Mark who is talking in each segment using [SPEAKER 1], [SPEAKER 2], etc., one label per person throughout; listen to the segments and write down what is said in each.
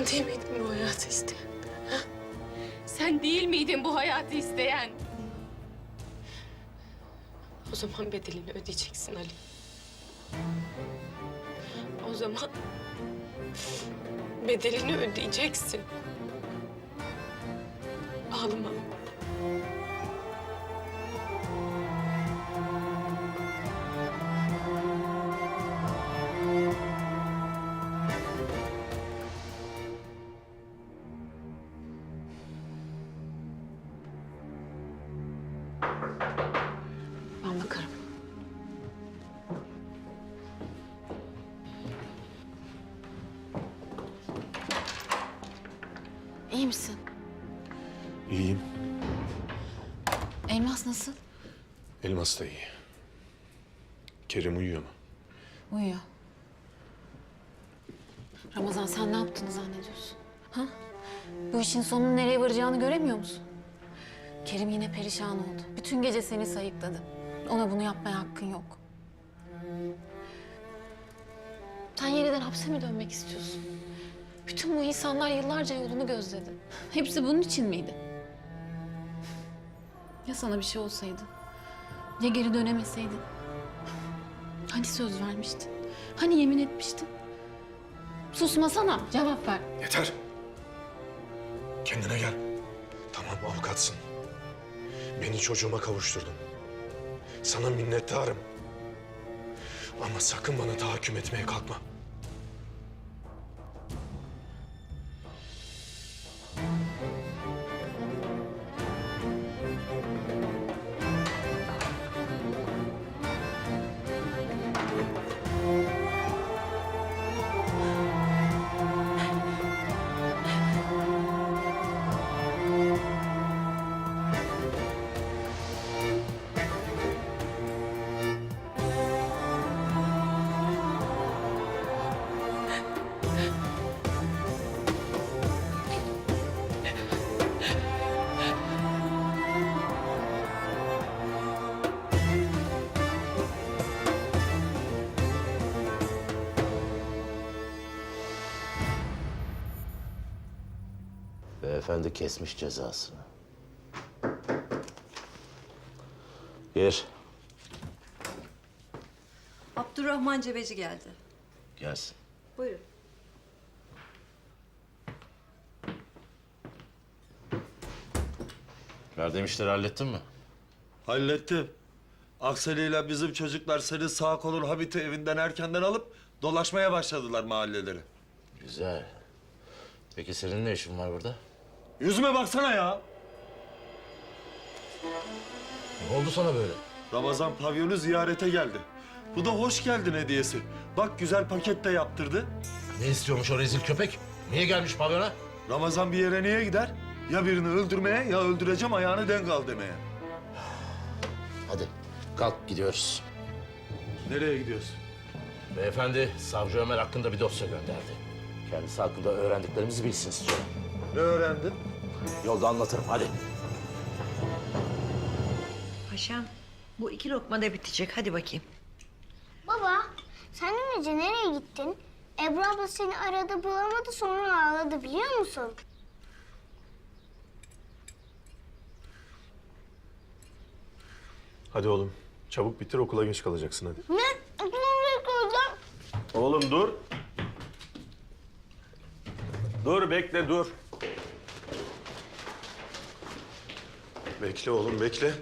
[SPEAKER 1] değil miydin bu hayatı isteyen? Ha?
[SPEAKER 2] Sen değil miydin bu hayatı isteyen?
[SPEAKER 1] O zaman bedelini ödeyeceksin Ali. O zaman bedelini ödeyeceksin. Ağlama.
[SPEAKER 3] Ben bakarım. İyi misin?
[SPEAKER 4] İyiyim.
[SPEAKER 3] Elmas nasıl?
[SPEAKER 4] Elmas da iyi. Kerim uyuyor mu?
[SPEAKER 3] Uyuyor. Ramazan sen ne yaptığını zannediyorsun? Ha? Bu işin sonunun nereye varacağını göremiyor musun? Kerim yine perişan oldu. Bütün gece seni sayıkladı. Ona bunu yapmaya hakkın yok. Sen yeniden hapse mi dönmek istiyorsun? Bütün bu insanlar yıllarca yolunu gözledi. Hepsi bunun için miydi? Ya sana bir şey olsaydı? Ya geri dönemeseydin? Hani söz vermiştin? Hani yemin etmiştin? Susmasana, cevap ver.
[SPEAKER 4] Yeter. Kendine gel. Tamam avukatsın. Beni çocuğuma kavuşturdun. Sana minnettarım. Ama sakın bana tahakküm etmeye kalkma.
[SPEAKER 5] Beyefendi kesmiş cezasını. Gir.
[SPEAKER 6] Abdurrahman Cebeci geldi.
[SPEAKER 5] Gelsin.
[SPEAKER 6] Buyurun.
[SPEAKER 5] Verdiğim işleri hallettin mi?
[SPEAKER 7] Hallettim. Akseli ile bizim çocuklar seni sağ kolun Habit'i evinden erkenden alıp dolaşmaya başladılar mahalleleri.
[SPEAKER 5] Güzel. Peki senin ne işin var burada?
[SPEAKER 7] Yüzüme baksana ya.
[SPEAKER 5] Ne oldu sana böyle?
[SPEAKER 7] Ramazan pavyonu ziyarete geldi. Bu da hoş geldin hediyesi. Bak güzel paket de yaptırdı.
[SPEAKER 5] Ne istiyormuş o rezil köpek? Niye gelmiş pavyona?
[SPEAKER 7] Ramazan bir yere niye gider? Ya birini öldürmeye ya öldüreceğim ayağını denk al demeye.
[SPEAKER 5] Hadi kalk gidiyoruz.
[SPEAKER 7] Nereye gidiyorsun?
[SPEAKER 5] Beyefendi savcı Ömer hakkında bir dosya gönderdi. Kendisi hakkında öğrendiklerimizi bilsin istiyorum.
[SPEAKER 7] Ne öğrendin?
[SPEAKER 5] Yolda anlatırım hadi.
[SPEAKER 6] Paşam, bu 2 lokma da bitecek. Hadi bakayım.
[SPEAKER 8] Baba, sen dün gece nereye gittin? Ebru abla seni aradı bulamadı sonra ağladı biliyor musun?
[SPEAKER 4] Hadi oğlum. Çabuk bitir okula geç kalacaksın hadi.
[SPEAKER 8] Ne? Aklımda kaldım.
[SPEAKER 4] Oğlum dur. Dur bekle dur. Bekle oğlum bekle.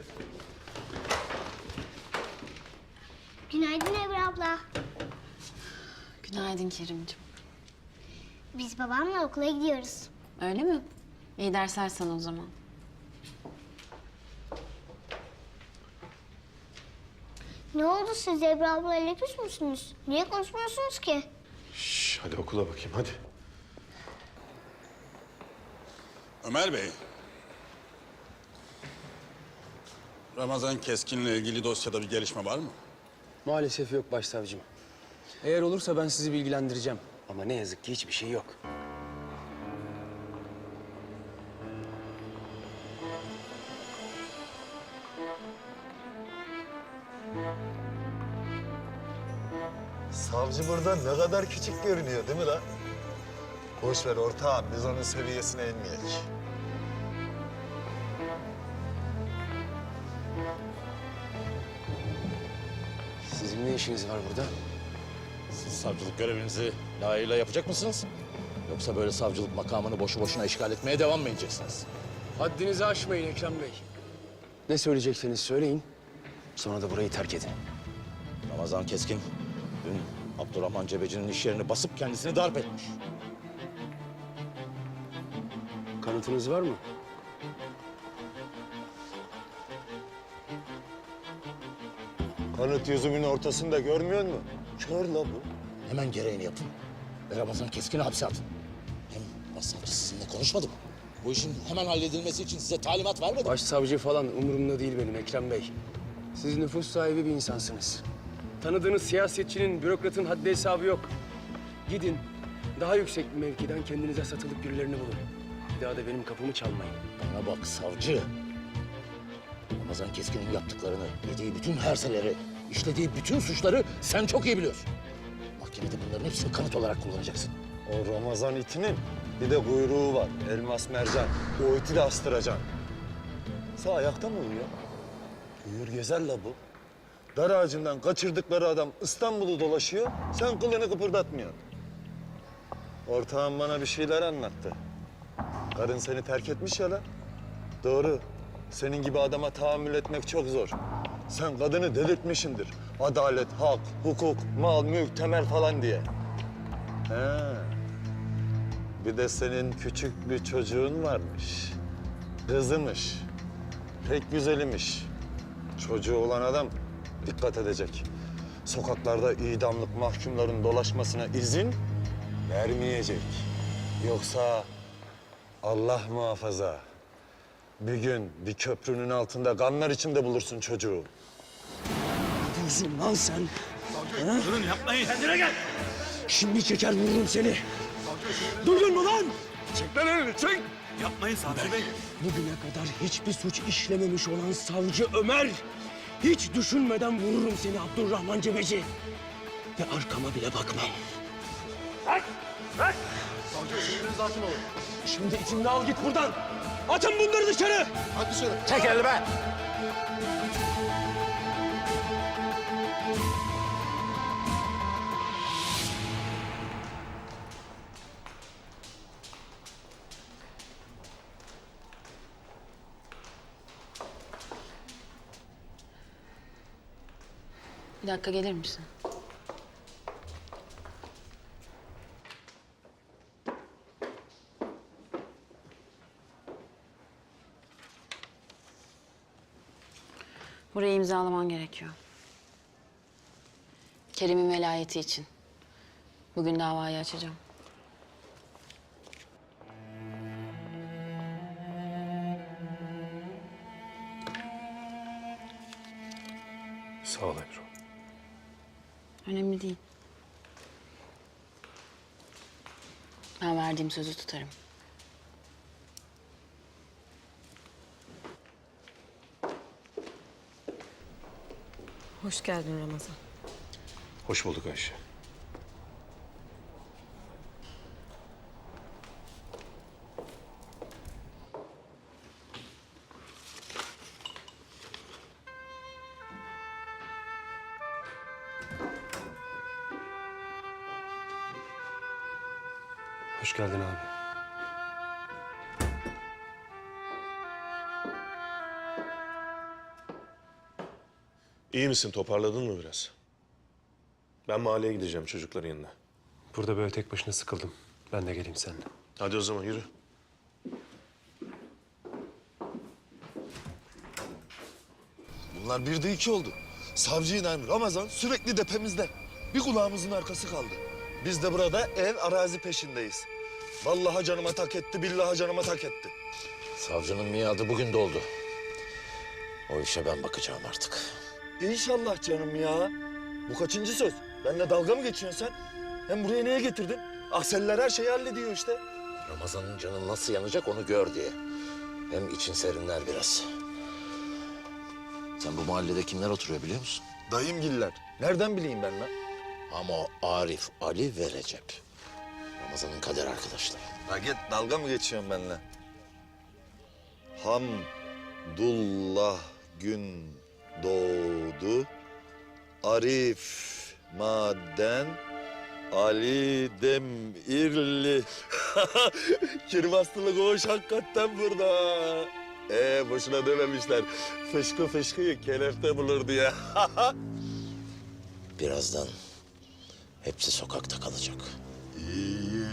[SPEAKER 8] Günaydın Ebru abla.
[SPEAKER 3] Günaydın Kerimciğim.
[SPEAKER 8] Biz babamla okula gidiyoruz.
[SPEAKER 3] Öyle mi? İyi dersler sana o zaman.
[SPEAKER 8] Ne oldu siz Ebru ablayla küs müsünüz? Niye konuşmuyorsunuz ki?
[SPEAKER 4] Şş, hadi okula bakayım hadi.
[SPEAKER 9] Ömer Bey. Ramazan Keskin'le ilgili dosyada bir gelişme var mı?
[SPEAKER 10] Maalesef yok başsavcım. Eğer olursa ben sizi bilgilendireceğim. Ama ne yazık ki hiçbir şey yok.
[SPEAKER 11] Savcı burada ne kadar küçük görünüyor değil mi lan?
[SPEAKER 7] Boş ver ortağım, biz onun seviyesine inmeyek.
[SPEAKER 10] Sizin ne işiniz var burada?
[SPEAKER 5] Siz savcılık görevinizi layığıyla yapacak mısınız? Yoksa böyle savcılık makamını boşu boşuna işgal etmeye devam mı edeceksiniz?
[SPEAKER 10] Haddinizi aşmayın Ekrem Bey. Ne söyleyecekseniz söyleyin. Sonra da burayı terk edin.
[SPEAKER 5] Ramazan Keskin dün Abdurrahman Cebeci'nin iş yerini basıp kendisini darp etmiş.
[SPEAKER 10] Kanıtınız var mı?
[SPEAKER 7] Kanıt yüzümün ortasında görmüyor musun? Kör la bu.
[SPEAKER 5] Hemen gereğini yapın ve Ramazan Keskin'i hapse atın. Hem başsavcı sizinle konuşmadı mı? Bu işin hemen halledilmesi için size talimat vermedi mi?
[SPEAKER 10] Başsavcı falan umurumda değil benim Ekrem Bey. Siz nüfus sahibi bir insansınız. Tanıdığınız siyasetçinin, bürokratın haddi hesabı yok. Gidin, daha yüksek bir mevkiden kendinize satılık birilerini bulun. Bir daha da benim kapımı çalmayın.
[SPEAKER 5] Bana bak savcı. Ramazan Keskin'in yaptıklarını, yediği bütün herseleri, işlediği bütün suçları sen çok iyi biliyorsun. Mahkemede bunların hepsini kanıt olarak kullanacaksın.
[SPEAKER 7] O Ramazan itinin bir de kuyruğu var. Elmas mercan. O iti de astıracaksın. Sağ ayakta mı uyuyor? Uyur gezer la bu. Dar ağacından kaçırdıkları adam İstanbul'u dolaşıyor. Sen kılını kıpırdatmıyorsun. Ortağım bana bir şeyler anlattı. Karın seni terk etmiş ya la. Doğru. Senin gibi adama tahammül etmek çok zor. Sen kadını delirtmişindir. Adalet, hak, hukuk, mal, mülk, temel falan diye. He. Bir de senin küçük bir çocuğun varmış. Kızımış. Pek güzelimiş. Çocuğu olan adam dikkat edecek. Sokaklarda idamlık mahkumların dolaşmasına izin vermeyecek. Yoksa Allah muhafaza bir gün bir köprünün altında kanlar içinde bulursun çocuğu.
[SPEAKER 10] Ne diyorsun lan sen? Durun yapmayın. Kendine gel. Şimdi çeker vururum seni. Duydun mu lan?
[SPEAKER 7] Çek lan elini, çek!
[SPEAKER 10] Yapmayın savcı bey. Bugüne kadar hiçbir suç işlememiş olan savcı Ömer. Hiç düşünmeden vururum seni Abdurrahman Cebeci. Ve arkama bile bakmam. Şimdi içimde al git buradan. Atın bunları dışarı.
[SPEAKER 5] Çek elini be!
[SPEAKER 3] Bir dakika gelir misin? Burayı imzalaman gerekiyor. Kerim'in velayeti için. Bugün davayı açacağım.
[SPEAKER 4] Sağ ol Ebru.
[SPEAKER 3] Önemli değil. Ben verdiğim sözü tutarım.
[SPEAKER 1] Hoş geldin Ramazan.
[SPEAKER 4] Hoş bulduk Ayşe.
[SPEAKER 10] Hoş geldin abi.
[SPEAKER 4] İyi misin? Toparladın mı biraz? Ben mahalleye gideceğim çocukların yanına.
[SPEAKER 11] Burada böyle tek başına sıkıldım. Ben de geleyim seninle.
[SPEAKER 4] Hadi o zaman yürü.
[SPEAKER 7] Bunlar bir de iki oldu. Savcıyla Ramazan sürekli depemizde. Bir kulağımızın arkası kaldı. Biz de burada ev arazi peşindeyiz. Vallahi canıma tak etti, billahi canıma tak etti.
[SPEAKER 5] Savcının miadı bugün doldu. O işe ben bakacağım artık.
[SPEAKER 7] İnşallah canım ya. Bu kaçıncı söz? Benimle dalga mı geçiyorsun sen? Hem buraya niye getirdin? Akseller her şeyi hallediyor işte.
[SPEAKER 5] Ramazan'ın canı nasıl yanacak onu gör diye. Hem için serinler biraz. Sen bu mahallede kimler oturuyor biliyor musun?
[SPEAKER 7] Dayımgiller. Nereden bileyim ben lan?
[SPEAKER 5] Ama o Arif, Ali ve Recep. Ramazan'ın kader arkadaşları.
[SPEAKER 7] Ha git, dalga mı geçiyorsun benimle? Hamdullah gün doğdu. Arif maden Ali Demirli. Kirmastılık hoş hakikaten burada. Boşuna dememişler. Fışkı fışkıyı kelefte bulur diye.
[SPEAKER 5] Birazdan hepsi sokakta kalacak.
[SPEAKER 7] İyi